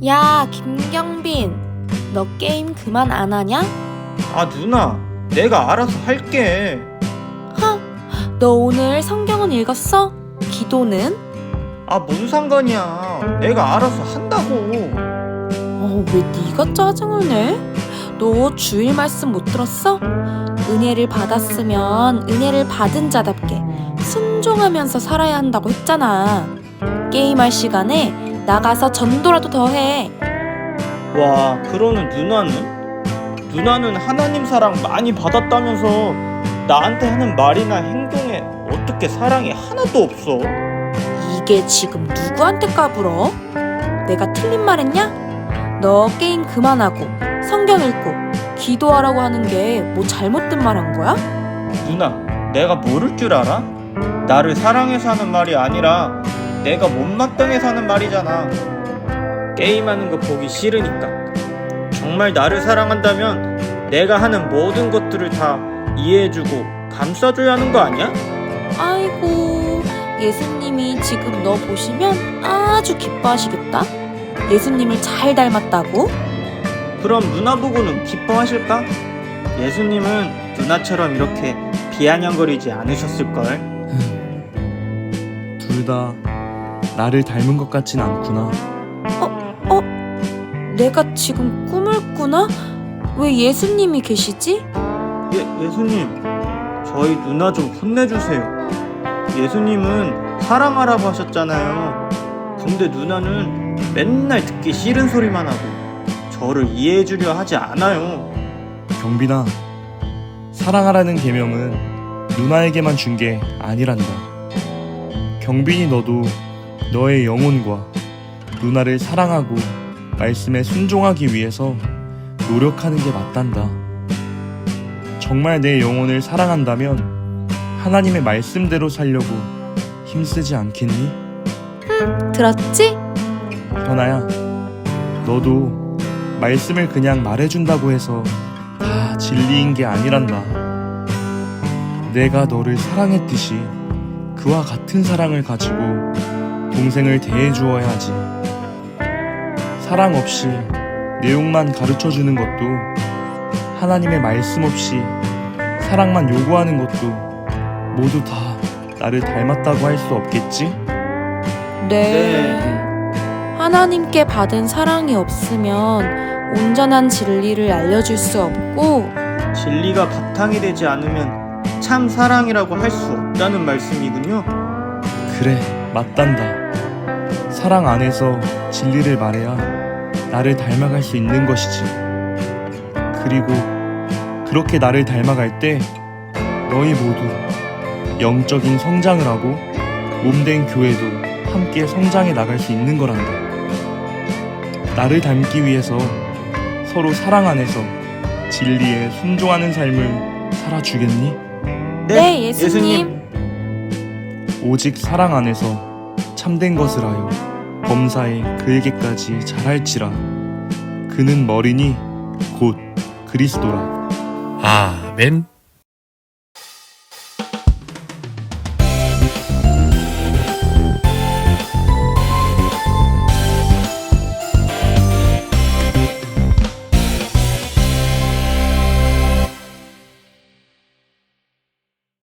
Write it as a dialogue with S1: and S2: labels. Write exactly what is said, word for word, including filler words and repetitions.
S1: 야, 김경빈, 너 게임 그만 안 하냐?
S2: 아 누나, 내가 알아서 할게.
S1: 허, 너 오늘 성경은 읽었어? 기도는?
S2: 아 뭔 상관이야, 내가 알아서 한다고.
S1: 어, 왜 네가 짜증을 내? 너 주일 말씀 못 들었어? 은혜를 받았으면 은혜를 받은 자답게 순종하면서 살아야 한다고 했잖아. 게임할 시간에 나가서 전도라도 더 해.
S2: 와, 그러는 누나는? 누나는 하나님 사랑 많이 받았다면서 나한테 하는 말이나 행동에 어떻게 사랑이 하나도 없어?
S1: 이게 지금 누구한테 까불어? 내가 틀린 말 했냐? 너 게임 그만하고 성경 읽고 기도하라고 하는 게 뭐 잘못된 말 한 거야?
S2: 누나, 내가 모를 줄 알아? 나를 사랑해서 하는 말이 아니라 내가 못마땅해서 하는 말이잖아. 게임하는 거 보기 싫으니까. 정말 나를 사랑한다면 내가 하는 모든 것들을 다 이해해주고 감싸줘야 하는 거 아니야?
S1: 아이고, 예수님이 지금 너 보시면 아주 기뻐하시겠다. 예수님을 잘 닮았다고?
S2: 그럼 누나 보고는 기뻐하실까? 예수님은 누나처럼 이렇게 비아냥거리지 않으셨을걸?
S3: 둘 다 나를 닮은 것 같진 않구나.
S1: 어? 내가 지금 꿈을 꾸나? 왜 예수님이 계시지?
S2: 예, 예수님, 저희 누나 좀 혼내주세요. 예수님은 사랑하라고 하셨잖아요. 근데 누나는 맨날 듣기 싫은 소리만 하고 저를 이해해주려 하지 않아요.
S3: 경빈아, 사랑하라는 계명은 누나에게만 준 게 아니란다. 경빈이 너도 너의 영혼과 누나를 사랑하고 말씀에 순종하기 위해서 노력하는 게 맞단다. 정말 내 영혼을 사랑한다면 하나님의 말씀대로 살려고 힘쓰지 않겠니?
S1: 들었지?
S3: 현아야, 너도 말씀을 그냥 말해준다고 해서 다 진리인 게 아니란다. 내가 너를 사랑했듯이 그와 같은 사랑을 가지고 동생을 대해주어야 하지. 사랑 없이 내용만 가르쳐주는 것도, 하나님의 말씀 없이 사랑만 요구하는 것도 모두 다 나를 닮았다고 할 수 없겠지?
S1: 네. 하나님께 받은 사랑이 없으면 온전한 진리를 알려줄 수 없고,
S2: 진리가 바탕이 되지 않으면 참 사랑이라고 할 수 없다는 말씀이군요.
S3: 그래, 맞단다. 사랑 안에서 진리를 말해야 나를 닮아갈 수 있는 것이지. 그리고 그렇게 나를 닮아갈 때 너희 모두 영적인 성장을 하고 몸된 교회도 함께 성장해 나갈 수 있는 거란다. 나를 닮기 위해서 서로 사랑 안에서 진리에 순종하는 삶을 살아주겠니?
S1: 네, 예수님.
S3: 오직 사랑 안에서 참된 것을 하여 범사에 그에게까지 잘할지라. 그는 머리니 곧 그리스도라.
S4: 아멘.